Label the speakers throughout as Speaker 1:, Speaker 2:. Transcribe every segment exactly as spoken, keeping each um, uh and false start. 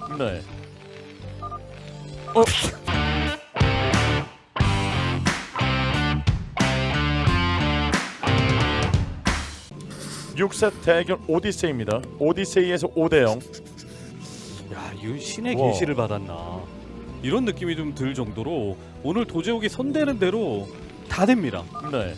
Speaker 1: 네. 어. 육 세트 대결 오디세이입니다. 오디세이에서 오 대 영.
Speaker 2: 야, 이거 신의
Speaker 1: 우와.
Speaker 2: 계시를 받았나 이런 느낌이 좀 들 정도로 오늘 도제욱이 손대는 대로 다 됩니다.
Speaker 1: 네.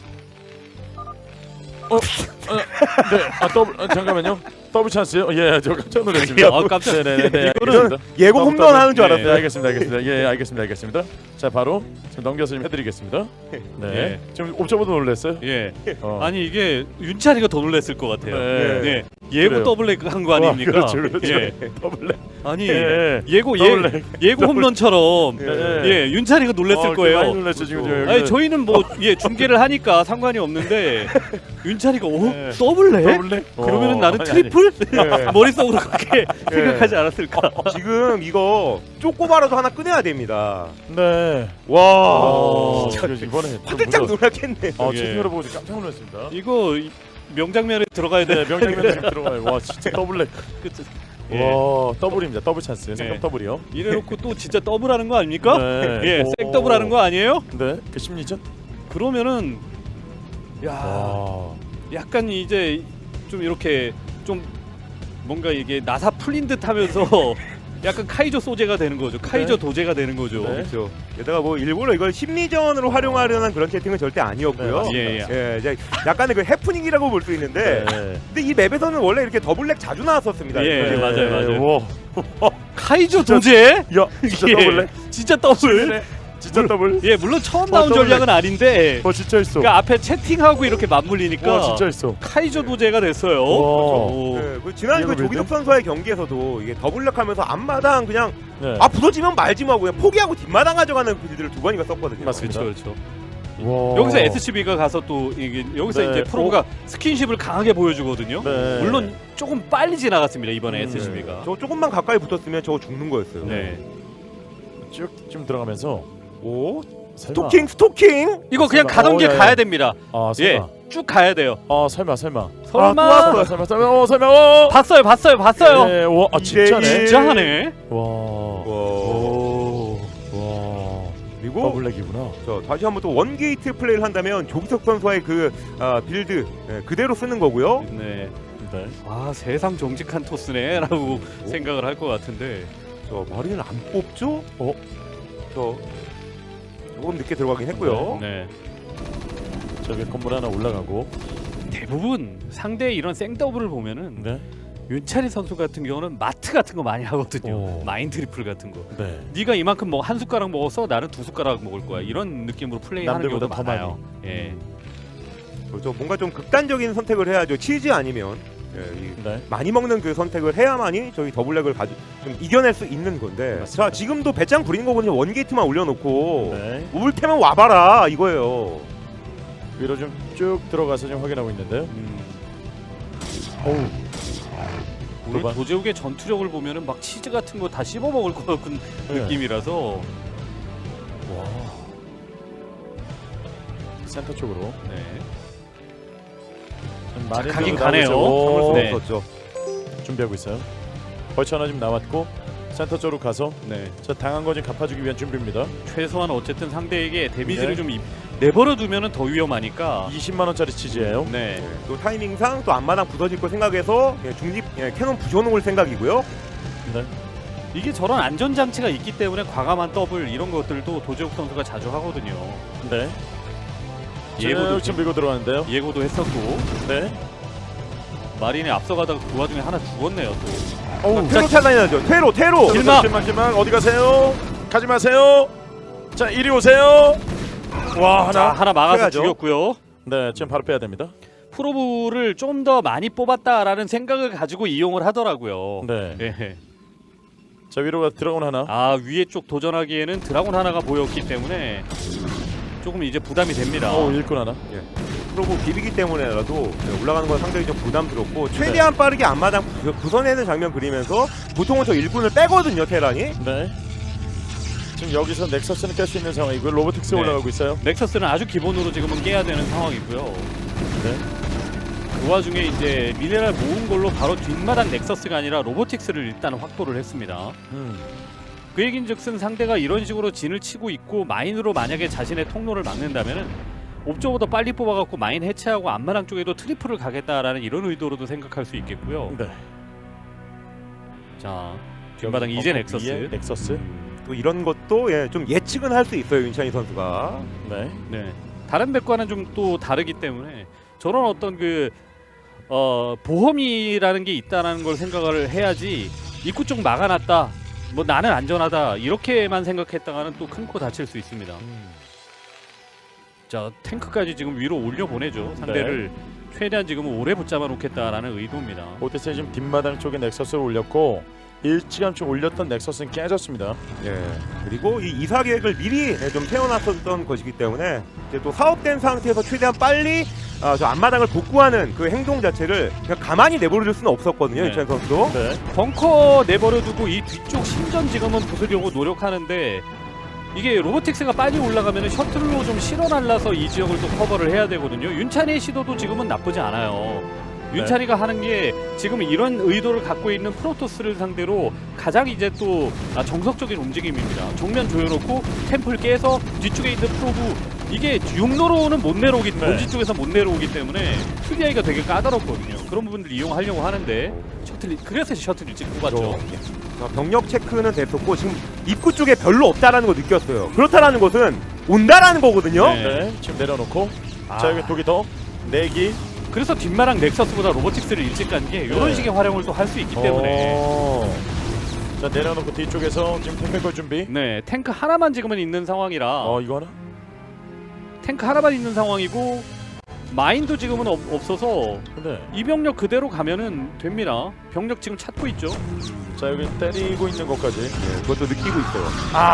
Speaker 1: 어, 어, 네. 아 더블. 아, 잠깐만요. 더블 찬스요? 예, 저 깜짝 놀랐습니다.
Speaker 2: 아, 깜짝.
Speaker 1: 네네네. 네,
Speaker 3: 이거는
Speaker 1: 알겠습니다.
Speaker 3: 예고
Speaker 1: 더블,
Speaker 3: 홈런
Speaker 1: 더블.
Speaker 3: 하는 줄
Speaker 1: 네,
Speaker 3: 알았어요.
Speaker 1: 알겠습니다, 알겠습니다. 예, 알겠습니다, 알겠습니다. 자, 바로 지금 넘겨서 좀 해드리겠습니다. 네.
Speaker 2: 예.
Speaker 1: 지금 옵저버도 놀랐어요.
Speaker 2: 예.
Speaker 1: 어.
Speaker 2: 아니 이게 윤찬이가 더 놀랐을 것 같아요.
Speaker 1: 네.
Speaker 2: 네. 예고
Speaker 1: 그래요.
Speaker 2: 더블렉 한 거 아닙니까?
Speaker 1: 와, 그렇죠, 그렇죠.
Speaker 2: 예.
Speaker 1: 더블.
Speaker 2: 아니
Speaker 1: 예.
Speaker 2: 예고 예,
Speaker 1: 더블렉.
Speaker 2: 예고 홈런처럼
Speaker 1: 예.
Speaker 2: 예, 윤찬이가 놀랐을
Speaker 1: 어,
Speaker 2: 거예요.
Speaker 1: 많이 놀랐죠 지금. 저
Speaker 2: 아니 저희는 뭐 예 중계를 하니까 상관이 없는데 윤찬이가 오
Speaker 1: 네.
Speaker 2: 더블렉?
Speaker 1: 더블렉?
Speaker 2: 그러면은
Speaker 1: 어,
Speaker 2: 나는
Speaker 1: 아니,
Speaker 2: 트리플?
Speaker 3: 예.
Speaker 2: 머릿속으로 그렇게
Speaker 1: 예.
Speaker 2: 생각하지 않았을까?
Speaker 3: 지금 이거 쪼꼬바라도 하나 꺼내야 됩니다.
Speaker 1: 아니. 네.
Speaker 3: 와,
Speaker 1: 아, 진짜 이번에 좀
Speaker 3: 화들짝
Speaker 1: 무서워.
Speaker 3: 놀랐겠네.
Speaker 1: 아,
Speaker 2: 예.
Speaker 1: 채팅으로 보고 지금 깜짝 놀랐습니다.
Speaker 2: 이거 이- 명장면에 들어가야 돼.
Speaker 1: 네, 명장면 지금 들어가요. 와, 진짜 더블렉.
Speaker 2: 그치? 예.
Speaker 1: 와, 더블입니다. 더블 찬스. 생각
Speaker 2: 네.
Speaker 1: 더블이요.
Speaker 2: 이래놓고 또 진짜 더블하는 거 아닙니까?
Speaker 1: 네.
Speaker 2: 예,
Speaker 1: 오.
Speaker 2: 생 더블하는 거 아니에요?
Speaker 1: 네, 그 심리전.
Speaker 2: 그러면은 야
Speaker 1: 와,
Speaker 2: 약간 이제 좀 이렇게 좀 뭔가 이게 나사 풀린 듯하면서 약간 카이조 소재가 되는 거죠. 카이조
Speaker 1: 네.
Speaker 2: 도제가 되는 거죠.
Speaker 1: 네.
Speaker 3: 그렇죠. 게다가 뭐 일부러 이걸 심리전으로 활용하려는 그런 채팅은 절대 아니었고요.
Speaker 1: 네,
Speaker 2: 맞습니다.
Speaker 3: 예, 이제 약간의 그 해프닝이라고 볼 수 있는데,
Speaker 1: 네.
Speaker 3: 근데 이 맵에서는 원래 이렇게 더블렉 자주 나왔었습니다.
Speaker 2: 예,
Speaker 3: 이거.
Speaker 2: 맞아요, 맞아요.
Speaker 1: 와,
Speaker 2: 카이조
Speaker 1: 진짜-
Speaker 2: 도제?
Speaker 1: 야, 진짜
Speaker 2: 예,
Speaker 1: 더블렉.
Speaker 2: 진짜 더블.
Speaker 1: 진짜 더블.
Speaker 2: 예, 물론 처음
Speaker 1: 어,
Speaker 2: 나온
Speaker 1: 더블.
Speaker 2: 전략은 아닌데
Speaker 1: 어, 진짜 있어.
Speaker 2: 그 앞에 채팅하고 이렇게 맞물리니까
Speaker 1: 와, 진짜 있어.
Speaker 2: 카이조 도제가 됐어요.
Speaker 1: 와.
Speaker 2: 오.
Speaker 3: 예, 그 지난 그
Speaker 1: 이해가
Speaker 3: 조기덕
Speaker 1: 되네?
Speaker 3: 선수와의 경기에서도 이게 더블렉하면서 앞마당 그냥
Speaker 1: 네.
Speaker 3: 아 부서지면 말지 마고 그냥 포기하고 뒷마당 가져가는 빌드를 두 번이나 썼거든요.
Speaker 1: 맞습니다.
Speaker 2: 그렇죠, 그렇죠.
Speaker 1: 와.
Speaker 2: 여기서 에스씨비가 가서 또 이게 여기서
Speaker 1: 네.
Speaker 2: 이제 프로가 스킨십을 강하게 보여주거든요.
Speaker 1: 네.
Speaker 2: 물론 조금 빨리 지나갔습니다 이번에
Speaker 1: 음,
Speaker 2: 에스씨비가.
Speaker 3: 저 조금만 가까이 붙었으면 저거 죽는 거였어요.
Speaker 2: 네.
Speaker 1: 쭉좀 들어가면서
Speaker 3: 오
Speaker 1: 설마.
Speaker 3: 스토킹 스토킹.
Speaker 2: 이거 그냥
Speaker 1: 설마.
Speaker 2: 가던
Speaker 1: 어,
Speaker 2: 길
Speaker 1: 야, 야.
Speaker 2: 가야 됩니다.
Speaker 1: 아,
Speaker 2: 예,
Speaker 1: 설마.
Speaker 2: 쭉 가야 돼요.
Speaker 1: 아, 설마, 설마.
Speaker 2: 설마.
Speaker 1: 아, 또 왔어. 설마, 설마. 어, 설마. 어.
Speaker 2: 봤어요, 봤어요, 봤어요.
Speaker 1: 네, 와, 아, 진짜네.
Speaker 3: 이대 일.
Speaker 2: 진짜 하네.
Speaker 1: 와.
Speaker 3: 와.
Speaker 1: 오. 와.
Speaker 3: 그리고
Speaker 1: 더블랙이구나.
Speaker 3: 저 다시 한번 또 원게이트 플레이를 한다면 조기석 선수와의 그 아, 빌드 예, 그대로 쓰는 거고요.
Speaker 2: 네.
Speaker 1: 네.
Speaker 2: 아 세상 정직한 토스네라고 생각을 할 것 같은데.
Speaker 3: 저 마린을 안 뽑죠?
Speaker 1: 어?
Speaker 3: 저 조금 늦게 들어가긴 했고요.
Speaker 2: 네.
Speaker 1: 저기 건물 하나 올라가고.
Speaker 2: 대부분 상대의 이런 생더블을 보면은
Speaker 1: 네.
Speaker 2: 윤찬희 선수 같은 경우는 마트 같은 거 많이 하거든요.
Speaker 1: 오.
Speaker 2: 마인 트리플 같은 거.
Speaker 1: 네.
Speaker 2: 네가 이만큼 뭐 한 숟가락 먹었어, 나는 두 숟가락 먹을 거야. 이런 느낌으로 플레이하는
Speaker 1: 남들보다
Speaker 2: 경우도
Speaker 1: 더
Speaker 2: 많아요. 예.
Speaker 3: 그렇죠. 뭔가 좀 극단적인 선택을 해야죠. 치즈 아니면 예, 이
Speaker 1: 네.
Speaker 3: 많이 먹는 그 선택을 해야만이 저희 더블랙을 가지 좀 이겨낼 수 있는 건데.
Speaker 1: 맞습니다.
Speaker 3: 자 지금도 배짱 부리는 거거든요. 원게이트만 올려놓고
Speaker 1: 네.
Speaker 3: 올 테면 와봐라 이거예요.
Speaker 1: 위로 좀 쭉 들어가서 좀 확인하고 있는데요.
Speaker 2: 음.
Speaker 1: 어우.
Speaker 2: 오늘
Speaker 1: 도발.
Speaker 2: 도제욱의 전투력을 보면은 막 치즈 같은 거 다 씹어 먹을 것 같은
Speaker 1: 네.
Speaker 2: 느낌이라서.
Speaker 1: 와. 센터 쪽으로.
Speaker 2: 네.
Speaker 1: 좀
Speaker 2: 자,
Speaker 1: 많이
Speaker 2: 가긴
Speaker 1: 나오고
Speaker 2: 가네요.
Speaker 1: 있어요.
Speaker 3: 참을
Speaker 1: 오.
Speaker 3: 수가
Speaker 2: 네.
Speaker 3: 없었죠.
Speaker 1: 준비하고 있어요. 벌처 하나 좀 나왔고 센터 쪽으로 가서
Speaker 2: 네.
Speaker 1: 저 당한 거 좀 갚아주기 위한 준비입니다.
Speaker 2: 최소한 어쨌든 상대에게 데미지를
Speaker 1: 네.
Speaker 2: 좀 입- 내버려 두면은 더 위험하니까.
Speaker 1: 이십만 원짜리 치즈예요.
Speaker 2: 네.
Speaker 3: 예, 또 타이밍상 또 앞마당 부서질 거 생각해서 예, 중립 예, 캐논 부셔놓을 생각이고요.
Speaker 1: 네.
Speaker 2: 이게 저런 안전 장치가 있기 때문에 과감한 더블 이런 것들도 도제욱 선수가 자주 하거든요.
Speaker 1: 네.
Speaker 2: 예고도
Speaker 1: 쭉 밀고 들어가는데요.
Speaker 2: 예고도 했었고
Speaker 1: 네.
Speaker 2: 마린이 앞서가다가 그 와중에 하나 죽었네요 또.
Speaker 1: 어우.
Speaker 3: 테로 탈란이 나죠. 테로 테로.
Speaker 2: 길막!
Speaker 1: 길막 길막 어디 가세요? 가지 마세요. 자 이리 오세요. 와
Speaker 2: 자
Speaker 1: 하나.
Speaker 2: 하나 막아서
Speaker 3: 빼야죠.
Speaker 2: 죽였고요.
Speaker 1: 네 지금 바로 빼야 됩니다.
Speaker 2: 프로브를 좀 더 많이 뽑았다라는 생각을 가지고 이용을 하더라고요.
Speaker 1: 네.
Speaker 2: 예.
Speaker 1: 자 위로 가 드라곤 하나.
Speaker 2: 아 위에 쪽 도전하기에는 드라곤 하나가 보였기 때문에 조금 이제 부담이 됩니다.
Speaker 1: 어 일꾼 하나.
Speaker 3: 프로브 비비기 때문에라도 올라가는 건 상당히 좀 부담스럽고 최대한 빠르게 앞마당 부- 부서내는 장면 그리면서 보통은 저 일꾼을 빼거든요 테란이.
Speaker 1: 네. 지금 여기서 넥서스는 깰 수 있는 상황이고요. 로보틱스
Speaker 2: 네.
Speaker 1: 올라가고 있어요.
Speaker 2: 넥서스는 아주 기본으로 지금은 깨야 되는 상황이고요.
Speaker 1: 네.
Speaker 2: 그 와중에 이제 미네랄 모은 걸로 바로 뒷마당 넥서스가 아니라 로보틱스를 일단 확보를 했습니다.
Speaker 1: 음.
Speaker 2: 그 얘긴즉슨 상대가 이런 식으로 진을 치고 있고 마인으로 만약에 자신의 통로를 막는다면은 옵저보다 빨리 뽑아갖고 마인 해체하고 앞마당 쪽에도 트리플을 가겠다라는 이런 의도로도 생각할 수 있겠고요.
Speaker 1: 네.
Speaker 2: 자, 뒷마당 이제 넥서스.
Speaker 1: 넥서스.
Speaker 3: 또 이런 것도 예, 좀 예측은 할 수 있어요 윤찬희 선수가.
Speaker 1: 네.
Speaker 2: 네. 다른 맵과는 좀 또 다르기 때문에 저런 어떤 그 어, 보험이라는 게 있다는 걸 생각을 해야지 입구 쪽 막아놨다. 뭐 나는 안전하다 이렇게만 생각했다가는 또 큰 코 다칠 수 있습니다.
Speaker 1: 음.
Speaker 2: 자 탱크까지 지금 위로 올려 보내죠. 상대를
Speaker 1: 네.
Speaker 2: 최대한 지금 오래 붙잡아 놓겠다라는 의도입니다.
Speaker 1: 오데스에 지금 뒷마당 쪽에 넥서스를 올렸고 일찌감치 올렸던 넥서스는 깨졌습니다.
Speaker 3: 예. 그리고 이 이사 계획을 미리 예, 좀 세워놨었던 것이기 때문에 이제 또 사업된 상태에서 최대한 빨리 아, 저 앞마당을 복구하는 그 행동 자체를 그냥 가만히 내버려둘 수는 없었거든요
Speaker 2: 네.
Speaker 3: 윤찬희 선수도.
Speaker 1: 네.
Speaker 2: 벙커 내버려두고 이 뒤쪽 신전 지금은 부수려고 노력하는데 이게 로보틱스가 빨리 올라가면 셔틀로 좀 실어 날라서 이 지역을 또 커버를 해야 되거든요. 윤찬이의 시도도 지금은 나쁘지 않아요. 윤찬이가 하는 게 지금 이런 의도를 갖고 있는 프로토스를 상대로 가장 이제 또 아, 정석적인 움직임입니다. 정면 조여놓고 템플 깨서 뒤쪽에 있는 프로브 이게 육로로는 못 내려오기
Speaker 1: 네.
Speaker 2: 본지 쪽에서 못 내려오기 때문에 수비하기가 되게 까다롭거든요. 그런 부분들 이용하려고 하는데 셔틀 그래서 셔틀 일찍 뽑았죠.
Speaker 3: 자, 병력 체크는 됐었고 지금 입구 쪽에 별로 없다라는 거 느꼈어요. 그렇다라는 것은 온다라는 거거든요.
Speaker 2: 네.
Speaker 1: 네. 지금 내려놓고
Speaker 2: 아.
Speaker 1: 자 여기 독이 더 내기.
Speaker 2: 그래서 뒷마랑 넥서스보다 로보틱스를 일찍 간 게 이런
Speaker 1: 네.
Speaker 2: 식의 활용을 또 할 수 있기 때문에
Speaker 1: 어. 자 내려놓고 뒤쪽에서 지금 탱크걸 준비.
Speaker 2: 네 탱크 하나만 지금은 있는 상황이라
Speaker 1: 어 이거 하나.
Speaker 2: 탱크 하나만 있는 상황이고 마인도 지금은 없, 없어서
Speaker 1: 네.
Speaker 2: 이 병력 그대로 가면은 됩니다. 병력 지금 찾고 있죠.
Speaker 1: 자 여기 때리고 있는 것까지.
Speaker 3: 예, 그것도 느끼고 있어요.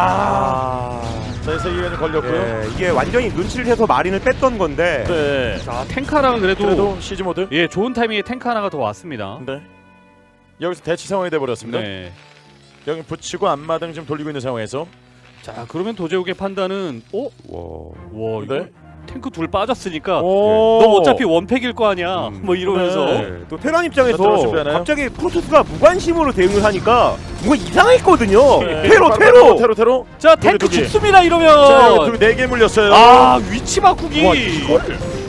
Speaker 1: 아. 자 여기서 이게 걸렸고요.
Speaker 3: 예, 이게 완전히 눈치를 해서 마린을 뺐던 건데
Speaker 1: 네.
Speaker 2: 자 탱크 하나는 그래도,
Speaker 1: 그래도 시즈 모드.
Speaker 2: 예 좋은 타이밍에 탱크 하나가 더 왔습니다.
Speaker 1: 네. 여기서 대치 상황이 돼 버렸습니다.
Speaker 2: 네.
Speaker 1: 여기 붙이고 앞마당 좀 돌리고 있는 상황에서.
Speaker 2: 자 그러면 도제욱의 판단은 어?
Speaker 3: 와.
Speaker 2: 와 이거
Speaker 1: 네.
Speaker 2: 탱크 둘 빠졌으니까
Speaker 1: 오.
Speaker 2: 너 어차피 원팩일 거 아니야.
Speaker 3: 음.
Speaker 2: 뭐 이러면서
Speaker 1: 네.
Speaker 3: 예, 또 테란 입장에서
Speaker 1: 들어갈 준비하나요?
Speaker 3: 갑자기 프로토스가 무관심으로 대응을 하니까 뭔가 이상했거든요.
Speaker 1: 네.
Speaker 3: 테로
Speaker 1: 바로
Speaker 3: 테로.
Speaker 1: 테로 테로.
Speaker 2: 자
Speaker 1: 독이,
Speaker 2: 탱크
Speaker 1: 독이.
Speaker 2: 죽습니다
Speaker 1: 자
Speaker 2: 이러면.
Speaker 1: 여기 네개 물렸어요.
Speaker 2: 아 위치 바꾸기.
Speaker 1: 와 이걸.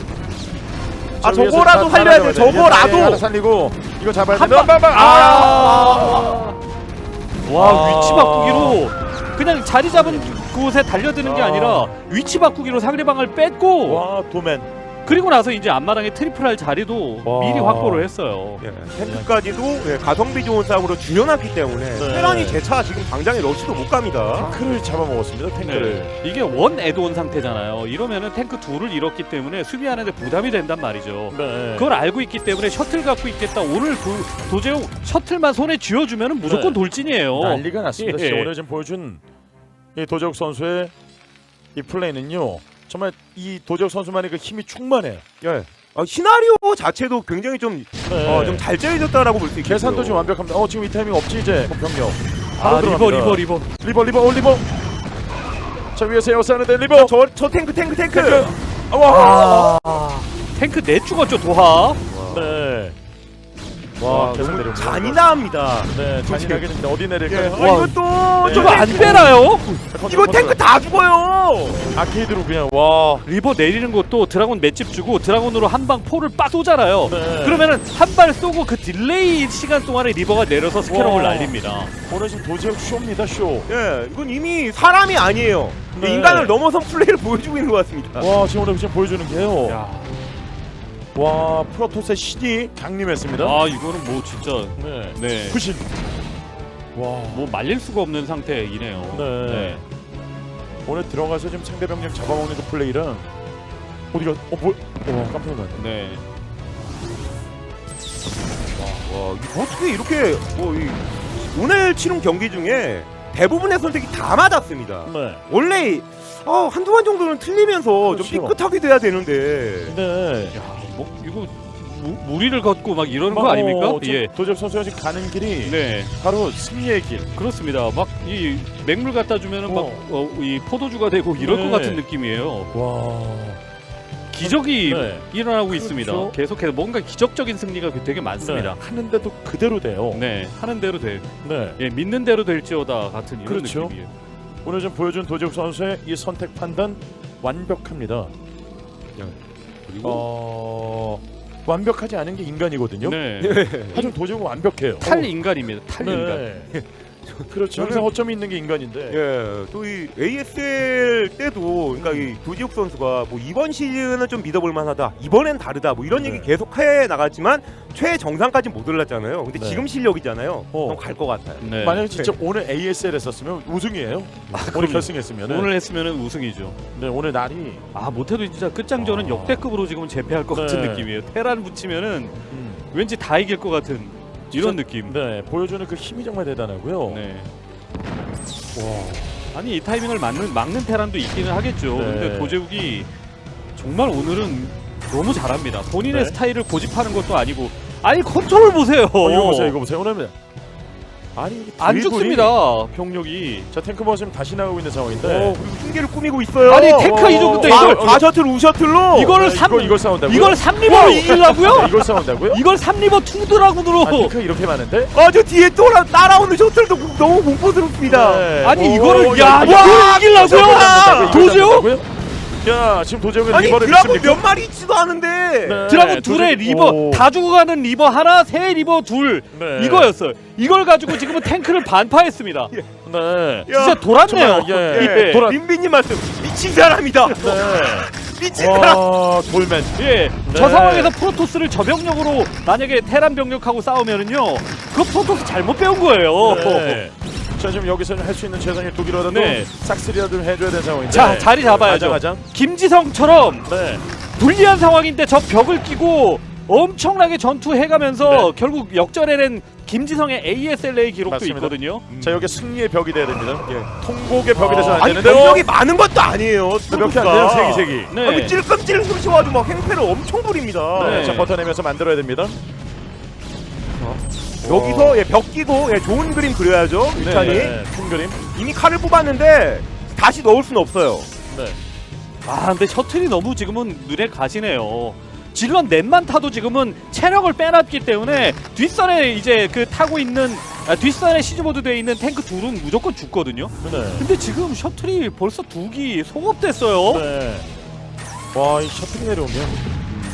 Speaker 3: 아,
Speaker 1: 저 위에서
Speaker 3: 저거라도
Speaker 1: 다
Speaker 3: 살려야 돼,
Speaker 1: 살아나가야 돼.
Speaker 3: 저거라도.
Speaker 1: 얘 하나 살리고 이거 잡아야 돼.
Speaker 2: 한 방.
Speaker 1: 방.
Speaker 2: 아. 와
Speaker 1: 아.
Speaker 2: 위치 바꾸기로 그냥 자리 잡은 곳에 달려드는 게
Speaker 1: 아.
Speaker 2: 아니라 위치 바꾸기로 상대방을 뺐고
Speaker 1: 와 도맨.
Speaker 2: 그리고 나서 이제 앞마당에 트리플할 자리도
Speaker 1: 와.
Speaker 2: 미리 확보를 했어요.
Speaker 3: 예, 탱크까지도 예, 가성비 좋은 싸움으로 줄여놨기 때문에
Speaker 1: 네.
Speaker 3: 테란이 제차 지금 당장에 러시도 못 갑니다.
Speaker 1: 탱크를 잡아먹었습니다. 탱크를.
Speaker 2: 네. 이게 원 애드온 상태잖아요. 이러면은 탱크 둘을 잃었기 때문에 수비하는데 부담이 된단 말이죠.
Speaker 1: 네.
Speaker 2: 그걸 알고 있기 때문에 셔틀 갖고 있겠다. 오늘 그 도제욱 셔틀만 손에 쥐어주면은 무조건
Speaker 1: 네.
Speaker 2: 돌진이에요.
Speaker 1: 난리가 났습니다.
Speaker 2: 예.
Speaker 1: 진짜 오늘 지금 보여준 이 도적 선수의 이 플레이는요. 정말 이 도적 선수만의 그 힘이 충만해요.
Speaker 3: 예. 아, 시나리오 자체도 굉장히 좀
Speaker 1: 네.
Speaker 3: 어, 좀 잘 짜여졌다라고 볼 수 있겠어요.
Speaker 1: 계산도 지금 완벽합니다. 어 지금 이 타이밍 없지 이제 병력.
Speaker 2: 아
Speaker 1: 바로
Speaker 2: 리버
Speaker 1: 들어갑니다.
Speaker 2: 리버 리버.
Speaker 1: 리버 리버 올 리버. 자 위에서 에어싸는데 리버.
Speaker 3: 저, 저 탱크 탱크 탱크.
Speaker 1: 탱크. 아, 와.
Speaker 2: 아, 탱크 내 죽었죠 도하.
Speaker 1: 네.
Speaker 3: 와,
Speaker 1: 와 계속
Speaker 3: 너무
Speaker 1: 내려옵니다.
Speaker 3: 잔인합니다.
Speaker 1: 네 잔인하게 됩니다. 어디
Speaker 3: 예.
Speaker 1: 내릴까요?
Speaker 3: 아, 이것도
Speaker 1: 네.
Speaker 2: 이거 안 빼나요?
Speaker 3: 이거 탱크 다 죽어요.
Speaker 1: 아케이드로 그냥 와.
Speaker 2: 리버 내리는 것도 드라곤 맷집 주고 드라곤으로 한 방 포를 빡 쏘잖아요.
Speaker 1: 네.
Speaker 2: 그러면은 한 발 쏘고 그 딜레이 시간 동안에 리버가 내려서 스캐럽을
Speaker 1: 와.
Speaker 2: 날립니다.
Speaker 1: 오늘 지금 도지역 쇼입니다 쇼.
Speaker 3: 예, 이건 이미 사람이 아니에요.
Speaker 1: 네.
Speaker 3: 인간을 넘어선 플레이를 보여주고 있는 것 같습니다.
Speaker 1: 와 지금 오늘 지금 보여주는 게요.
Speaker 2: 야.
Speaker 1: 와 프로토스의 신이 강림했습니다.
Speaker 2: 아 이거는 뭐 진짜
Speaker 1: 네.
Speaker 2: 네.
Speaker 1: 구신. 와.
Speaker 2: 뭐 말릴 수가 없는 상태이네요.
Speaker 1: 네. 오늘 들어가서 지금 상대 병력 잡아먹는 그 플레이랑 어디가 어 뭐? 와 깜짝 놀랐네.
Speaker 2: 네.
Speaker 3: 와, 이거 어떻게 이렇게 뭐 이, 오늘 치른 경기 중에 대부분의 선택이 다 맞았습니다.
Speaker 1: 네.
Speaker 3: 원래 어, 한두 번 정도는 틀리면서
Speaker 1: 그렇죠.
Speaker 3: 좀 삐끗하게 돼야 되는데
Speaker 1: 네.
Speaker 2: 야, 뭐 이거 무, 무리를 걷고 막 이러는 거 아닙니까? 예.
Speaker 1: 도적 선수가 지금 가는 길이
Speaker 2: 네.
Speaker 1: 바로 승리의 길.
Speaker 2: 그렇습니다. 막 이 맹물 갖다 주면은
Speaker 1: 어.
Speaker 2: 막 이 포도주가 되고 이럴
Speaker 1: 네.
Speaker 2: 것 같은 느낌이에요.
Speaker 1: 와.
Speaker 2: 기적이
Speaker 1: 네.
Speaker 2: 일어나고 있습니다.
Speaker 1: 그렇죠.
Speaker 2: 계속해서 뭔가 기적적인 승리가 되게 많습니다.
Speaker 1: 네. 하는데도 그대로 돼요.
Speaker 2: 네, 하는 대로 돼.
Speaker 1: 네.
Speaker 2: 예, 믿는 대로 될지어다 같은 이런
Speaker 1: 그렇죠.
Speaker 2: 느낌이에요.
Speaker 1: 오늘 좀 보여준 도재욱 선수의 이 선택 판단 완벽합니다.
Speaker 3: 그리고
Speaker 1: 어... 완벽하지 않은 게 인간이거든요.
Speaker 2: 네.
Speaker 1: 하지만 도재욱은 완벽해요.
Speaker 2: 탈 인간입니다. 탈 인간.
Speaker 1: 네. 그렇죠. 항상 허점이 있는 게 인간인데.
Speaker 3: 예, 또 이 에이에스엘 때도 그러니까 이 도지욱 선수가 뭐 이번 시즌은 좀 믿어볼 만하다. 이번엔 다르다. 뭐 이런
Speaker 1: 네.
Speaker 3: 얘기 계속 해 나갔지만 최정상까지 못 올랐잖아요. 근데
Speaker 1: 네.
Speaker 3: 지금 실력이잖아요.
Speaker 1: 어.
Speaker 3: 그럼 갈 것 같아요.
Speaker 2: 네.
Speaker 1: 만약에 진짜 오늘 에이에스엘 했었으면 우승이에요. 오늘 결승했으면.
Speaker 2: 오늘 했으면은 우승이죠.
Speaker 1: 네, 오늘 날이
Speaker 2: 아 못해도 진짜 끝장전은
Speaker 1: 아.
Speaker 2: 역대급으로 지금 재패할 것
Speaker 1: 네.
Speaker 2: 같은 느낌이에요. 테란 붙이면은
Speaker 1: 음,
Speaker 2: 왠지 다 이길 것 같은 이런
Speaker 1: 진짜-
Speaker 2: 느낌.
Speaker 1: 네, 보여주는 그 힘이 정말 대단하고요.
Speaker 2: 네. 와. 아니 이 타이밍을 막는 막는 테란도 있기는 하겠죠.
Speaker 1: 네.
Speaker 2: 근데 도재욱이 정말 오늘은 너무 잘합니다. 본인의
Speaker 1: 네.
Speaker 2: 스타일을 고집하는 것도 아니고 아니 컨트롤 보세요.
Speaker 1: 어, 이거 보세요, 이거 보세요. 오늘 아니 이게
Speaker 2: 안
Speaker 1: 드리블이-
Speaker 2: 죽습니다. 병력이.
Speaker 1: 자, 탱크 버스는 다시 나가고 있는 상황인데.
Speaker 3: 어, 그리고 흉계를 꾸미고 있어요.
Speaker 2: 아니 탱크 이 정도
Speaker 1: 어,
Speaker 2: 이걸
Speaker 1: 어,
Speaker 3: 사 셔틀 우 셔틀로
Speaker 2: 이거를
Speaker 1: 네,
Speaker 2: 삼
Speaker 1: 이거 이걸 싸운다고요?
Speaker 2: 이걸 삼 리버로 이기려고요?
Speaker 1: 네, 이걸 싸운다고요?
Speaker 2: 이걸 삼 리버 투 드라군으로
Speaker 1: 아, 탱크 이렇게 많은데?
Speaker 3: 아, 저 뒤에 또 따라오는 셔틀도 너무 공포스럽습니다.
Speaker 1: 네.
Speaker 2: 아니
Speaker 1: 오,
Speaker 2: 이거를
Speaker 1: 야,
Speaker 2: 야
Speaker 1: 이거
Speaker 2: 이걸 이기려고요?
Speaker 1: 이걸
Speaker 2: 도저요?
Speaker 1: 싸운다고요? 야, 지금 도저히
Speaker 3: 아니
Speaker 1: 리버를
Speaker 3: 드라군
Speaker 1: 믿습니까?
Speaker 3: 몇 마리 있지도 않은데.
Speaker 1: 네.
Speaker 2: 드라군 둘에 리버
Speaker 1: 오.
Speaker 2: 다 죽어가는 리버 하나, 새 리버 둘
Speaker 1: 네.
Speaker 2: 이거였어요. 이걸 가지고 지금은 탱크를 반파했습니다.
Speaker 1: 네.
Speaker 3: 야,
Speaker 2: 진짜 돌았네요.
Speaker 1: 정말, 예.
Speaker 3: 예,
Speaker 1: 돌아-
Speaker 3: 민비님 말씀 미친 사람이다.
Speaker 1: 네.
Speaker 3: 미친 사람.
Speaker 1: 와, 돌맨.
Speaker 2: 예,
Speaker 1: 네.
Speaker 2: 저 상황에서 프로토스를 저병력으로 만약에 테란 병력하고 싸우면은요, 그 프로토스 잘못 배운 거예요.
Speaker 1: 네. 자, 지금 여기서는 할 수 있는 최선의 독이라도
Speaker 2: 네.
Speaker 1: 싹쓸이라도 좀 해줘야 되는 상황인데.
Speaker 2: 자, 자리 잡아야죠.
Speaker 1: 가장
Speaker 2: 김지성처럼
Speaker 1: 네.
Speaker 2: 불리한 상황인데 저 벽을 끼고 엄청나게 전투해가면서
Speaker 1: 네.
Speaker 2: 결국 역전해낸 김지성의 에이에스엘에이 기록도
Speaker 1: 맞습니다.
Speaker 2: 있거든요.
Speaker 1: 자, 여기 승리의 벽이 돼야 됩니다. 예. 통곡의 벽이 돼서 안
Speaker 3: 아니
Speaker 1: 되는데.
Speaker 3: 병력이 많은 것도 아니에요.
Speaker 1: 몇 개 안 돼요? 세 개, 세 개.
Speaker 2: 네.
Speaker 3: 아니 찔끔찔끔 쏘셔가지고 막 행패를 엄청 부립니다.
Speaker 1: 네.
Speaker 2: 네.
Speaker 1: 자, 버텨내면서 만들어야 됩니다.
Speaker 3: 여기서 예, 벽 끼고 예, 좋은 그림 그려야죠. 유찬이
Speaker 1: 네. 큰 그림.
Speaker 3: 이미 칼을 뽑았는데 다시 넣을 수는 없어요.
Speaker 1: 네.
Speaker 2: 아 근데 셔틀이 너무 지금은 눈에 가시네요. 질럿 넷만 타도 지금은 체력을 빼놨기 때문에 뒷선에 이제 그 타고 있는 아, 뒷선에 시즈모드 되어 있는 탱크 둘은 무조건 죽거든요.
Speaker 1: 네.
Speaker 2: 근데 지금 셔틀이 벌써 두 기 소급됐어요.
Speaker 1: 네. 와, 이 셔틀이 내려오면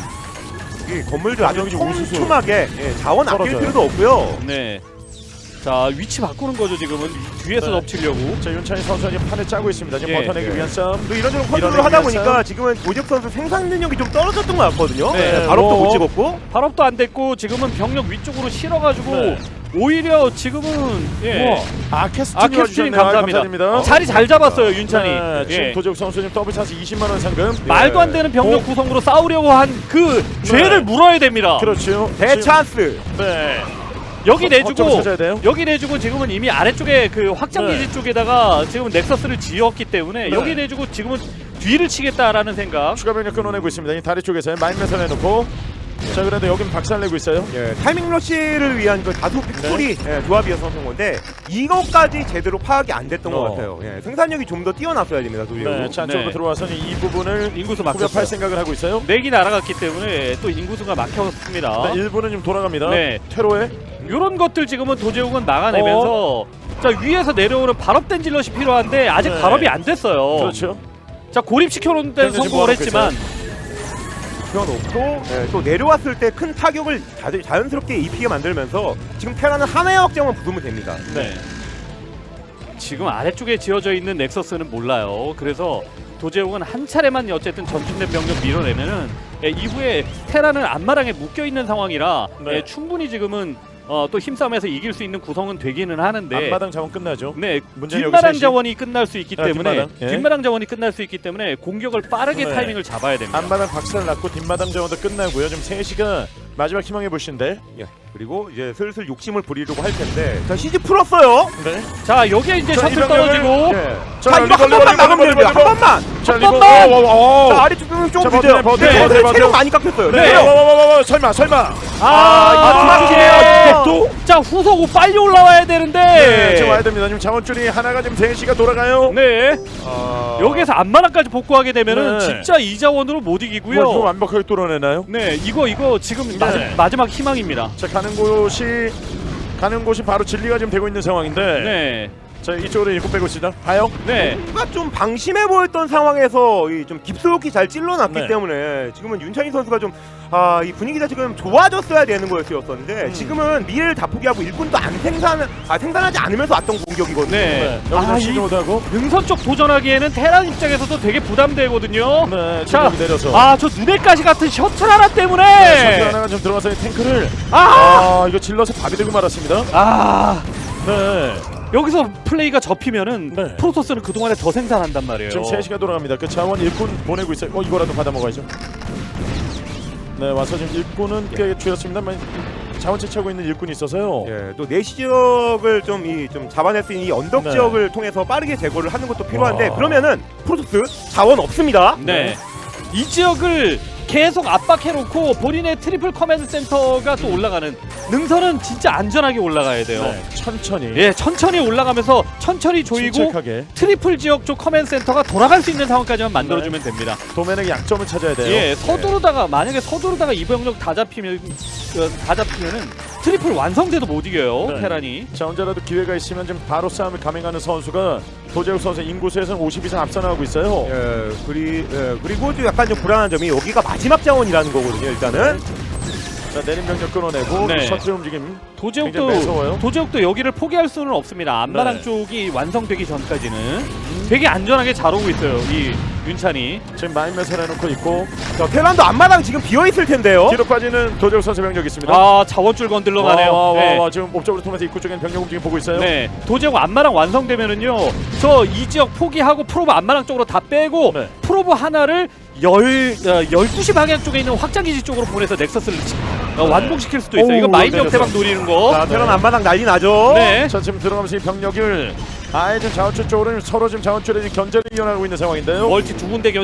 Speaker 3: 이 건물들 아주
Speaker 1: 가격이 좀 우수수.
Speaker 3: 촘촘하게 예, 자원 아낄
Speaker 1: 떨어져요.
Speaker 3: 필요도 없고요.
Speaker 2: 네. 자 위치 바꾸는 거죠 지금은 뒤에서
Speaker 1: 네.
Speaker 2: 덮치려고.
Speaker 1: 자, 윤찬희 선수가 지금 판을 짜고 있습니다. 지금
Speaker 2: 예.
Speaker 1: 버텨내기
Speaker 3: 예.
Speaker 1: 위한 싸움.
Speaker 3: 또 이런저런 컨트롤을
Speaker 1: 밀어내기
Speaker 3: 하다
Speaker 1: 위한
Speaker 3: 보니까
Speaker 1: 싸움.
Speaker 3: 지금은 오재욱 선수 생산 능력이 좀 떨어졌던 것 같거든요.
Speaker 2: 네.
Speaker 3: 예, 발업도
Speaker 1: 오.
Speaker 3: 못 찍었고.
Speaker 2: 발업도 안 됐고 지금은 병력 위쪽으로 실어가지고
Speaker 1: 네.
Speaker 2: 오히려 지금은 예.
Speaker 1: 우와. 아케스틴
Speaker 2: 아케스틴 감사합니다.
Speaker 1: 감사드립니다.
Speaker 2: 자리 잘 잡았어요 윤찬이.
Speaker 1: 네, 지금
Speaker 2: 예.
Speaker 1: 도재욱 선수 지금 더블 찬스 이십만 원 상금.
Speaker 2: 말도 안 되는 병력
Speaker 1: 오.
Speaker 2: 구성으로 싸우려고 한 그 죄를 물어야 됩니다.
Speaker 1: 그렇죠.
Speaker 3: 대찬스.
Speaker 1: 지금- 네.
Speaker 2: 여기
Speaker 1: 거점을
Speaker 2: 내주고
Speaker 1: 찾아야 돼요.
Speaker 2: 여기 내주고 지금은 이미 아래쪽에 그 확장
Speaker 1: 네.
Speaker 2: 기지 쪽에다가 지금 넥서스를 지었기 때문에
Speaker 1: 네.
Speaker 2: 여기 내주고 지금은 뒤를 치겠다라는 생각.
Speaker 1: 추가 병력 끊어내고 있습니다. 이 다리 쪽에서 마인매선 해놓고. 자, 그런데 여긴 박살내고 있어요.
Speaker 3: 예, 타이밍 러시를 위한 그 다수 팩토리 예, 조합이어서 그런 건데 이것까지 제대로 파악이 안 됐던
Speaker 1: 어.
Speaker 3: 것 같아요. 예, 생산력이 좀 더 뛰어났어야 됩니다. 도재욱.
Speaker 1: 네, 자, 안쪽으로
Speaker 2: 네.
Speaker 1: 들어와서 이 부분을
Speaker 2: 인구수
Speaker 1: 후벼팔
Speaker 2: 막혔어요.
Speaker 1: 생각을 하고 있어요.
Speaker 2: 넥이 날아갔기 때문에 또 인구수가 막혔습니다.
Speaker 1: 네, 일부는 지금 돌아갑니다.
Speaker 2: 네.
Speaker 1: 퇴로에.
Speaker 2: 이런 것들 지금은 도제욱은 막아내면서 자 위에서 내려오는 발업된 질럿이 필요한데 아직
Speaker 1: 네.
Speaker 2: 발업이 안 됐어요.
Speaker 1: 그렇죠.
Speaker 2: 자 고립시켜놓는 데는
Speaker 1: 현재 지금
Speaker 2: 성공을
Speaker 1: 모아놓고
Speaker 2: 했지만
Speaker 3: 펴놓고 예, 또 내려왔을 때 큰 타격을 자, 자연스럽게 입히게 만들면서 지금 테라는 하나의 확장만 부수면 됩니다.
Speaker 2: 네. 지금 아래쪽에 지어져 있는 넥서스는 몰라요. 그래서 도제욱은 한 차례만 어쨌든 전진된 병력 밀어내면은 예, 이후에 테라는 앞마당에 묶여 있는 상황이라
Speaker 1: 네.
Speaker 2: 예, 충분히 지금은 어, 또 힘싸움에서 이길 수 있는 구성은 되기는 하는데
Speaker 1: 앞마당 자원 끝나죠.
Speaker 2: 네,
Speaker 1: 문제는 여기
Speaker 2: 뒷마당
Speaker 1: 셋이.
Speaker 2: 자원이 끝날 수 있기
Speaker 1: 아,
Speaker 2: 때문에
Speaker 1: 뒷마당, 예.
Speaker 2: 뒷마당 자원이 끝날 수 있기 때문에 공격을 빠르게
Speaker 1: 네.
Speaker 2: 타이밍을 잡아야 됩니다.
Speaker 1: 앞마당 박살 났고 뒷마당 자원도 끝나고요. 지금 세 시가 마지막 희망해 보신데.
Speaker 3: 예, 그리고 이제 슬슬 욕심을 부리려고 할 텐데 자 시즈 풀었어요.
Speaker 1: 네.
Speaker 2: 자 여기에 이제
Speaker 1: 자,
Speaker 2: 셔틀
Speaker 1: 이 병력을-
Speaker 2: 떨어지고
Speaker 1: 예.
Speaker 3: 자,
Speaker 1: 자,
Speaker 3: 이거
Speaker 1: 리버,
Speaker 3: 한
Speaker 1: 리버,
Speaker 3: 번만
Speaker 1: 리버,
Speaker 3: 막으면
Speaker 1: 리버,
Speaker 3: 됩니다.
Speaker 1: 리버.
Speaker 3: 한 번만.
Speaker 1: 자,
Speaker 2: 한
Speaker 1: 리버.
Speaker 2: 번만!
Speaker 1: 어, 어, 어.
Speaker 3: 자, 아래쪽 좀
Speaker 1: 자,
Speaker 3: 늦어요.
Speaker 1: 버텨내, 버텨내,
Speaker 3: 네,
Speaker 1: 버텨내, 버텨내.
Speaker 3: 체력 많이 깎였어요.
Speaker 1: 네.
Speaker 3: 네.
Speaker 1: 와, 와, 와, 와, 와. 설마, 설마.
Speaker 2: 아,
Speaker 3: 이거
Speaker 2: 이거
Speaker 3: 또?
Speaker 2: 자, 후속 오 빨리 올라와야 되는데.
Speaker 1: 네, 지금 와야 됩니다. 지금 자원줄이 하나가 지금 세 시가 돌아가요.
Speaker 2: 네.
Speaker 3: 아...
Speaker 2: 여기에서 안마랑까지 복구하게 되면은
Speaker 1: 네.
Speaker 2: 진짜 이자원으로 못 이기고요.
Speaker 1: 뭐, 이거 완벽하게 뚫어내나요?
Speaker 2: 네, 이거 이거 지금
Speaker 1: 네.
Speaker 2: 마지, 마지막 희망입니다.
Speaker 1: 자, 가는 곳이 가는 곳이 바로 진리가 지금 되고 있는 상황인데.
Speaker 2: 네,
Speaker 1: 자, 이쪽으로 일곱 빼고 있습니다. 봐요.
Speaker 2: 네.
Speaker 3: 뭔가 좀 방심해 보였던 상황에서 이 좀 깊숙이 잘 찔러놨기
Speaker 1: 네.
Speaker 3: 때문에 지금은 윤찬희 선수가 좀 아, 이 분위기가 지금 좋아졌어야 되는 거였었는데
Speaker 1: 음.
Speaker 3: 지금은 미래를 다 포기하고 일꾼도 안 생산 아 생산하지 않으면서 왔던 공격이거든요.
Speaker 2: 네.
Speaker 1: 여기서
Speaker 2: 아,
Speaker 1: 시도
Speaker 2: 이
Speaker 1: 못하고.
Speaker 2: 능선 쪽 도전하기에는 테란 입장에서도 되게 부담되거든요.
Speaker 1: 네,
Speaker 2: 자,
Speaker 1: 지금 내려서.
Speaker 2: 아, 저 눈엣가시 같은 셔틀 하나 때문에.
Speaker 1: 네, 셔틀 하나가 좀 들어가서 탱크를.
Speaker 2: 아,
Speaker 1: 아, 이거 질러서 밥이 되고 말았습니다.
Speaker 2: 아,
Speaker 1: 네.
Speaker 2: 여기서 플레이가 접히면은
Speaker 1: 네.
Speaker 2: 프로토스는 그 동안에 더 생산한단 말이에요.
Speaker 1: 지금 세 시가 돌아갑니다. 그 자원 일꾼 보내고 있어요. 어, 이거라도 받아 먹어야죠. 네, 와서 지금 일꾼은 꽤 줄였습니다만 자원 채취하고 있는 일꾼이 있어서요.
Speaker 3: 예, 또 내시 지역을 좀 이 좀 잡아낼 수 있는 이 언덕
Speaker 1: 네.
Speaker 3: 지역을 통해서 빠르게 제거를 하는 것도 필요한데
Speaker 1: 와.
Speaker 3: 그러면은 프로토스 자원 없습니다.
Speaker 2: 네. 이 지역을 계속 압박해놓고 본인의 트리플 커맨드 센터가 또 올라가는 능선은 진짜 안전하게 올라가야 돼요.
Speaker 1: 네, 천천히.
Speaker 2: 예, 천천히 올라가면서 천천히 조이고
Speaker 1: 침착하게.
Speaker 2: 트리플 지역 쪽 커맨드 센터가 돌아갈 수 있는 상황까지만 만들어주면 됩니다.
Speaker 1: 도면의 약점을 찾아야 돼요.
Speaker 2: 예, 서두르다가 만약에 서두르다가 이 병력 다 잡히면 어, 다 잡히면은 트리플 완성돼도 못 이겨요.
Speaker 1: 네.
Speaker 2: 테란이.
Speaker 1: 자, 혼자라도 기회가 있으면 좀 바로 싸움을 감행하는 선수가 도재욱 선수 인구수에서는 오십 이상 앞서 나가고 있어요.
Speaker 3: 예, 그리 예, 그리고 좀 약간 좀 불안한 점이 여기가 마지막 자원이라는 거거든요. 일단은
Speaker 1: 자, 내린 병력 끊어내고
Speaker 2: 네.
Speaker 1: 셔틀 움직임. 굉장히
Speaker 2: 도제욱도
Speaker 1: 매서워요.
Speaker 2: 도제욱도 여기를 포기할 수는 없습니다. 안마랑
Speaker 1: 네.
Speaker 2: 쪽이 완성되기 전까지는 되게 안전하게 잘 오고 있어요. 이 윤찬이.
Speaker 1: 지금 마인맷을 해놓고 있고
Speaker 3: 자, 테란도 앞마당 지금 비어 있을 텐데요.
Speaker 1: 뒤로 빠지는 도재욱 선수 병력이 있습니다.
Speaker 2: 아, 자원줄 건들러 가네요.
Speaker 1: 와, 와, 와,
Speaker 2: 네.
Speaker 1: 와, 지금 옵적으로 통해서 입구 쪽에는 병력 움직임 보고 있어요.
Speaker 2: 네, 도제욱 안마랑 완성되면은요, 저 이 지역 포기하고 프로브 안마랑 쪽으로 다 빼고
Speaker 1: 네.
Speaker 2: 프로브 하나를 열 어, 열두 시 방향 쪽에 있는 확장기지 쪽으로 보내서 넥서스를 어, 완공시킬 수도 있어요.
Speaker 1: 네. 오우,
Speaker 2: 이거 마인
Speaker 1: 내려서.
Speaker 2: 역대박 노리는 거.
Speaker 3: 자, 테란
Speaker 1: 네.
Speaker 3: 앞마당 난리 나죠.
Speaker 2: 네.
Speaker 1: 자, 지금 들어가면서 이 병력을 아예 지금 자원줄 쪽으로 서로 지금 자원줄에 지금 견제를 이어나가고 있는 상황인데요.
Speaker 2: 멀티 두 군데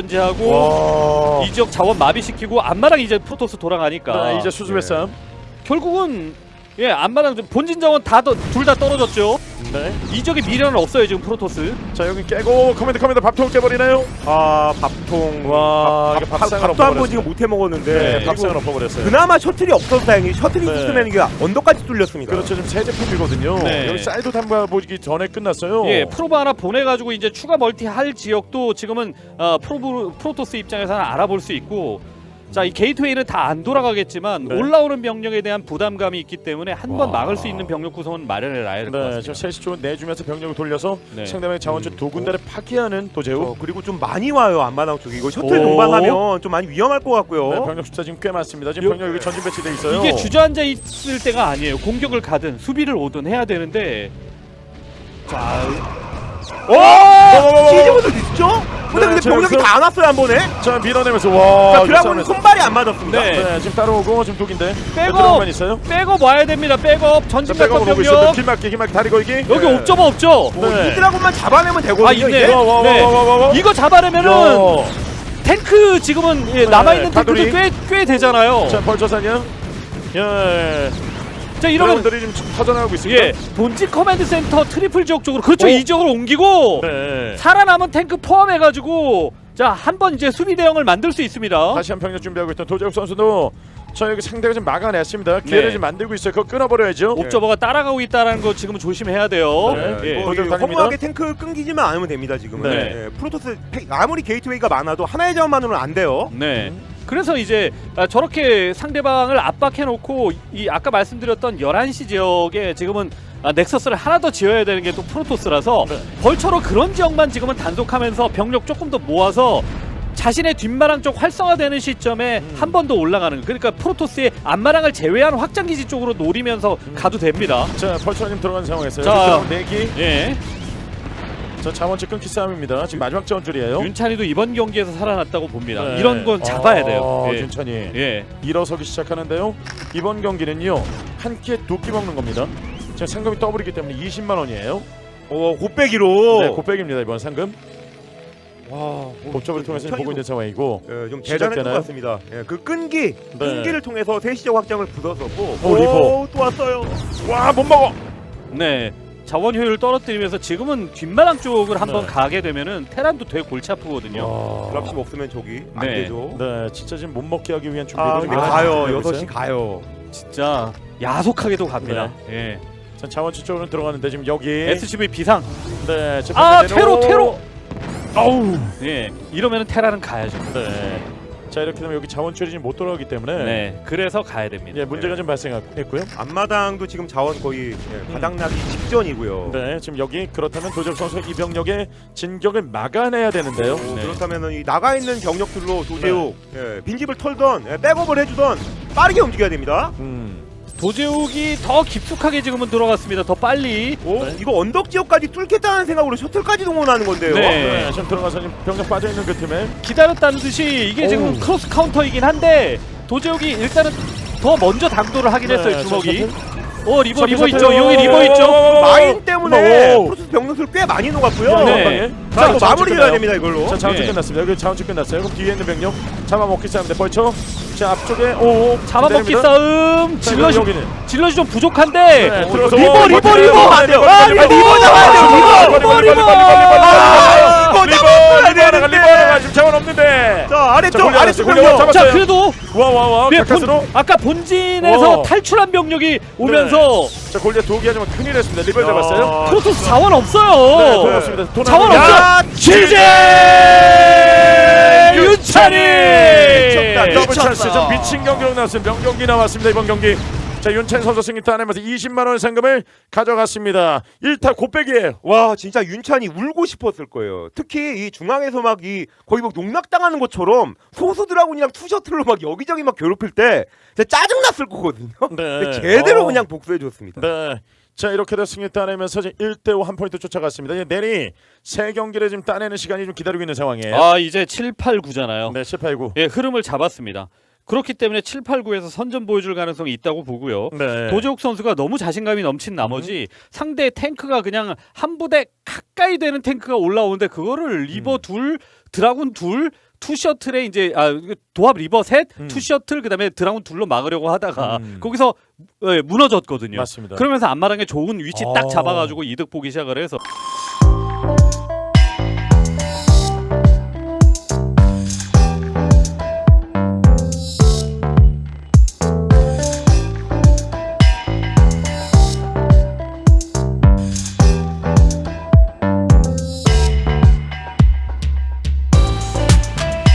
Speaker 2: 견제하고
Speaker 1: 와.
Speaker 2: 이 지역 자원 마비시키고 안마랑 이제 프로토스 돌아가니까
Speaker 1: 네, 이제 수습의
Speaker 3: 네.
Speaker 1: 싸움.
Speaker 2: 결국은 예 안마랑 본진 자원 다 둘 다 떨어졌죠.
Speaker 1: 네.
Speaker 2: 이 지역에 미련은 없어요 지금 프로토스.
Speaker 1: 자, 여기 깨고 커맨드 커맨드 밥통 깨버리나요?
Speaker 3: 아, 밥통.
Speaker 1: 와,
Speaker 3: 밥,
Speaker 1: 이게
Speaker 3: 밥,
Speaker 1: 밥상을
Speaker 3: 밥도 한 번
Speaker 1: 엎어버렸어요.
Speaker 3: 지금 못 해 먹었는데.
Speaker 1: 네,
Speaker 3: 그리고
Speaker 1: 밥상을 엎어버렸어요.
Speaker 3: 그나마 셔틀이 없어서 다행히 셔틀이
Speaker 1: 네.
Speaker 3: 있으면 이게 언덕까지 뚫렸습니다.
Speaker 1: 그렇죠. 지금 새 제품이거든요.
Speaker 2: 네.
Speaker 1: 여기 사이드 탐가 보기 전에 끝났어요.
Speaker 2: 예 프로브 하나 보내가지고 이제 추가 멀티 할 지역도 지금은 어, 프로브 프로토스 입장에서는 알아볼 수 있고. 자, 이 게이트웨이는 다 안 돌아가겠지만
Speaker 1: 네.
Speaker 2: 올라오는 병력에 대한 부담감이 있기 때문에 한 번
Speaker 1: 와.
Speaker 2: 막을 수 있는 병력 구성은 마련해 놔야 될 것
Speaker 1: 네,
Speaker 2: 같습니다.
Speaker 1: 지금 셋시 쪽은 내주면서 병력을 돌려서
Speaker 2: 네.
Speaker 1: 상대방의 자원줄 두 군데를 파괴하는 도제욱.
Speaker 3: 어, 그리고 좀 많이 와요 앞마당 쪽에. 이거 셔틀
Speaker 2: 오.
Speaker 3: 동반하면 좀 많이 위험할 것 같고요.
Speaker 1: 네, 병력 숫자 지금 꽤 많습니다. 지금
Speaker 2: 요-
Speaker 1: 병력 여기 전진 배치돼 있어요.
Speaker 2: 이게 주저앉아 있을 때가 아니에요. 공격을 가든 수비를 오든 해야 되는데 자,
Speaker 3: 오! 시즈모드 있죠? 근데
Speaker 1: 네,
Speaker 3: 근데
Speaker 1: 저
Speaker 3: 병력이
Speaker 1: 여기서-
Speaker 3: 다 안 왔어요 한 번에.
Speaker 1: 자, 밀어내면서 와.
Speaker 3: 자,
Speaker 1: 이거
Speaker 3: 드라군은
Speaker 1: 싸움에서.
Speaker 3: 손발이 안 맞았습니다.
Speaker 2: 네.
Speaker 1: 네, 지금 따라오고 지금 독인데.
Speaker 2: 백업!
Speaker 1: 드라군만 있어요.
Speaker 2: 백업 와야 됩니다. 백업 전진
Speaker 1: 백업
Speaker 2: 백업
Speaker 1: 오고 있어요.
Speaker 2: 병력
Speaker 1: 길막기, 길막기 다리 걸기.
Speaker 2: 여기
Speaker 3: 네.
Speaker 2: 옵저버 없죠?
Speaker 3: 뭐
Speaker 1: 네.
Speaker 3: 이 드라군만 잡아내면 되거든요.
Speaker 2: 아, 있네.
Speaker 3: 이제.
Speaker 1: 와, 와, 와,
Speaker 2: 네.
Speaker 1: 와, 와, 와.
Speaker 2: 이거 잡아내면은
Speaker 1: 야.
Speaker 2: 탱크 지금은 예,
Speaker 1: 네,
Speaker 2: 남아있는
Speaker 1: 가두리.
Speaker 2: 탱크들 꽤, 꽤 되잖아요.
Speaker 1: 자, 벌처사냐? 예.
Speaker 2: 자, 이러면
Speaker 1: 드라군들이 지금 터져나가고 있습니다.
Speaker 2: 예, 본진 커맨드 센터 트리플 지역 쪽으로 그렇죠.
Speaker 1: 어?
Speaker 2: 이 지역으로 옮기고
Speaker 1: 네.
Speaker 2: 살아남은 탱크 포함해가지고 자, 한 번 이제 수비 대응을 만들 수 있습니다.
Speaker 1: 다시 한 병력 준비하고 있던 도재욱 선수도 저 여기 상대가 좀 막아냈습니다. 기회를
Speaker 2: 네.
Speaker 1: 좀 만들고 있어요. 그거 끊어버려야죠.
Speaker 2: 옵저버가 따라가고 있다는 거 지금 조심해야 돼요.
Speaker 1: 네.
Speaker 2: 예.
Speaker 3: 뭐
Speaker 1: 거기로
Speaker 3: 이게
Speaker 1: 달립니다.
Speaker 3: 허무하게 탱크 끊기지만 않으면 됩니다 지금은.
Speaker 1: 네.
Speaker 3: 예, 프로토스 팩- 아무리 게이트웨이가 많아도 하나의 자원만으로는 안 돼요.
Speaker 2: 네. 그래서 이제 아, 저렇게 상대방을 압박해놓고 이 아까 말씀드렸던 열한 시 지역에 지금은 아, 넥서스를 하나 더 지어야 되는 게 또 프로토스라서
Speaker 1: 네.
Speaker 2: 벌처로 그런 지역만 지금은 단속하면서 병력 조금 더 모아서 자신의 뒷마랑 쪽 활성화되는 시점에
Speaker 1: 음.
Speaker 2: 한 번 더 올라가는, 그러니까 프로토스의 앞마랑을 제외한 확장기지 쪽으로 노리면서
Speaker 1: 음.
Speaker 2: 가도 됩니다.
Speaker 1: 자, 벌처님 들어간 상황에서요.
Speaker 2: 자.
Speaker 1: 드라군 내기.
Speaker 2: 예.
Speaker 1: 자, 자원치 끊기 싸움입니다. 지금 마지막 자원줄이에요.
Speaker 2: 윤찬이도 이번 경기에서 살아났다고 봅니다.
Speaker 1: 네.
Speaker 2: 이런 건 잡아야 돼요.
Speaker 1: 아,
Speaker 2: 예.
Speaker 1: 윤찬이
Speaker 2: 예.
Speaker 1: 일어서기 시작하는데요. 이번 경기는요 한 끼에 두 끼 먹는 겁니다. 지금 상금이 더블이기 때문에 이십만 원이에요.
Speaker 3: 어, 곱빼기로.
Speaker 1: 네, 곱백입니다 이번 상금.
Speaker 3: 와,
Speaker 1: 옵저버를 통해서 지금 보고 있는 상황이고.
Speaker 3: 예, 좀
Speaker 1: 시작되나요?
Speaker 3: 대단했던 것 같습니다. 예, 그 끈기,
Speaker 1: 네.
Speaker 3: 끈기를 통해서 세시적 확장을 부숴서고.
Speaker 1: 오, 리버.
Speaker 3: 또 왔어요.
Speaker 1: 와, 못 먹어.
Speaker 2: 네. 자원 효율을 떨어뜨리면서 지금은 뒷마당 쪽을 한번
Speaker 1: 네.
Speaker 2: 가게 되면은 테란도 되게 골치 아프거든요.
Speaker 1: 와.
Speaker 3: 드랍십 없으면 저기 안
Speaker 2: 네.
Speaker 3: 되죠.
Speaker 1: 네, 진짜 지금 못 먹게 하기 위한 준비를
Speaker 3: 아,
Speaker 1: 지금
Speaker 3: 근데
Speaker 1: 많이
Speaker 3: 가요.
Speaker 1: 준비하고
Speaker 3: 여섯 시
Speaker 1: 있어요.
Speaker 3: 가요.
Speaker 2: 진짜 야속하게도 갑니다. 예.
Speaker 1: 자, 자원치 쪽으로 들어가는데 지금 여기.
Speaker 2: 에스씨브이 비상.
Speaker 1: 네, 지금
Speaker 2: 아,
Speaker 1: 내놓-
Speaker 2: 테로 테로.
Speaker 1: 아우.
Speaker 2: 예. 이러면은 테라는 가야죠.
Speaker 1: 네. 자, 이렇게 되면 여기 자원줄이 지금 못 돌아가기 때문에
Speaker 2: 네. 그래서 가야 됩니다.
Speaker 1: 예, 문제가 좀 발생했고요.
Speaker 3: 앞마당도 지금 자원 거의 예, 바닥나기 직전이고요.
Speaker 1: 네, 지금 여기 그렇다면 도적 선수 이 병력의 진격을 막아내야 되는데요.
Speaker 3: 오,
Speaker 2: 네.
Speaker 3: 그렇다면은 이 나가 있는 병력들로 도제욱 예, 빈집을 털던 예, 백업을 해주던 빠르게 움직여야 됩니다.
Speaker 1: 음.
Speaker 2: 도제욱이 더 깊숙하게 지금은 들어갔습니다. 더 빨리.
Speaker 3: 오,
Speaker 1: 네.
Speaker 3: 이거 언덕 지역까지 뚫겠다는 생각으로 셔틀까지 동원하는 건데요.
Speaker 2: 네.
Speaker 1: 네, 지금 들어가서 지금 병력 빠져 있는 그 팀에
Speaker 2: 기다렸다는 듯이 이게 지금
Speaker 1: 오우.
Speaker 2: 크로스 카운터이긴 한데 도제욱이 일단은 더 먼저 당도를 하긴 했어요.
Speaker 1: 네,
Speaker 2: 주먹이.
Speaker 1: 셔틀.
Speaker 2: 어 리버
Speaker 1: 셔틀,
Speaker 2: 리버
Speaker 1: 셔틀.
Speaker 2: 있죠. 여기 리버 있죠.
Speaker 3: 마인 때문에
Speaker 1: 오.
Speaker 3: 프로토스 병력들 꽤 많이 녹았고요.
Speaker 1: 네.
Speaker 2: 네.
Speaker 1: 방에.
Speaker 3: 자, 이거
Speaker 1: 자원줄
Speaker 3: 마무리
Speaker 1: 끝나요.
Speaker 3: 해야 됩니다 이걸로.
Speaker 1: 자, 자원줄
Speaker 2: 네.
Speaker 1: 끝났습니다. 여기 자원줄 끝났어요. 그럼 뒤에 있는 병력 잡아먹기 싸움인데 벌쳐. 자, 앞쪽에 오
Speaker 2: 잡아먹기
Speaker 1: 기다립니다.
Speaker 2: 싸움.
Speaker 1: 자,
Speaker 2: 질럿이
Speaker 1: 여기는
Speaker 2: 질럿이 좀 부족한데.
Speaker 1: 네,
Speaker 2: 어,
Speaker 1: 들어가서
Speaker 2: 리버
Speaker 1: 오,
Speaker 2: 리버
Speaker 1: 버텨요.
Speaker 2: 리버.
Speaker 1: 안 돼요.
Speaker 2: 아,
Speaker 1: 리버,
Speaker 2: 리버
Speaker 1: 리버
Speaker 2: 잡아야 돼요. 리버 리버 리버.
Speaker 3: 아, 이거
Speaker 1: 리버
Speaker 3: 잡아야
Speaker 1: 리버가
Speaker 3: 되는데.
Speaker 1: 리버가 지금 자원 없는데.
Speaker 3: 자, 아래쪽
Speaker 1: 자,
Speaker 3: 아래쪽
Speaker 1: 골리앗
Speaker 3: 병력.
Speaker 1: 잡았어요.
Speaker 2: 자 그래도
Speaker 1: 와와와
Speaker 2: 예,
Speaker 1: 가까스로.
Speaker 2: 본, 아까 본진에서
Speaker 1: 오.
Speaker 2: 탈출한 병력이 오면서
Speaker 1: 자, 골리앗 도기 하지만 큰일 했습니다. 리버
Speaker 3: 야.
Speaker 1: 잡았어요.
Speaker 2: 프로토스 자원
Speaker 1: 네,
Speaker 2: 없어요.
Speaker 1: 돌았습니다. 돈
Speaker 2: 자원
Speaker 1: 안
Speaker 3: 야,
Speaker 1: 들어가요.
Speaker 2: 지제 윤찬이
Speaker 3: 미쳤다.
Speaker 1: 더블
Speaker 3: 미쳤어.
Speaker 1: 찬스 좀 미친 경기로 나왔습니다. 명경기 나왔습니다. 이번 경기. 자, 윤찬 선수 승리 따내면서 이십만 원 상금을 가져갔습니다. 일 타 곱빼기예요.
Speaker 3: 와, 진짜 윤찬이 울고 싶었을 거예요. 특히 이 중앙에서 막 이 거의 막 농락당하는 것처럼 소수 드라군이랑 투셔틀로 막 여기저기 막 괴롭힐 때 진짜 짜증 났을 거거든요.
Speaker 1: 네.
Speaker 3: 근데 제대로
Speaker 1: 어.
Speaker 3: 그냥 복수해 줬습니다.
Speaker 1: 네. 자, 이렇게 돼서 승리 따내면서 이제 일 대 오 한 포인트 쫓아갔습니다. 이제 내리 세 경기를 지금 따내는 시간이 좀 기다리고 있는 상황이에요.
Speaker 2: 아 이제 칠, 팔, 구잖아요.
Speaker 1: 네, 칠, 팔, 구.
Speaker 2: 예, 흐름을 잡았습니다. 그렇기 때문에 칠, 팔, 구에서 선전 보여줄 가능성이 있다고 보고요.
Speaker 1: 네.
Speaker 2: 도재욱 선수가 너무 자신감이 넘친 나머지
Speaker 1: 음.
Speaker 2: 상대의 탱크가 그냥 한 부대 가까이 되는 탱크가 올라오는데 그거를 리버
Speaker 1: 음.
Speaker 2: 둘, 드라군 둘, 투 셔틀에 이제 아 도합 리버 셋,
Speaker 1: 음.
Speaker 2: 투 셔틀 그다음에 드라군 둘로 막으려고 하다가
Speaker 1: 음.
Speaker 2: 거기서 예, 무너졌거든요.
Speaker 1: 맞습니다.
Speaker 2: 그러면서 앞마당에 좋은 위치
Speaker 1: 아.
Speaker 2: 딱 잡아가지고 이득 보기 시작을 해서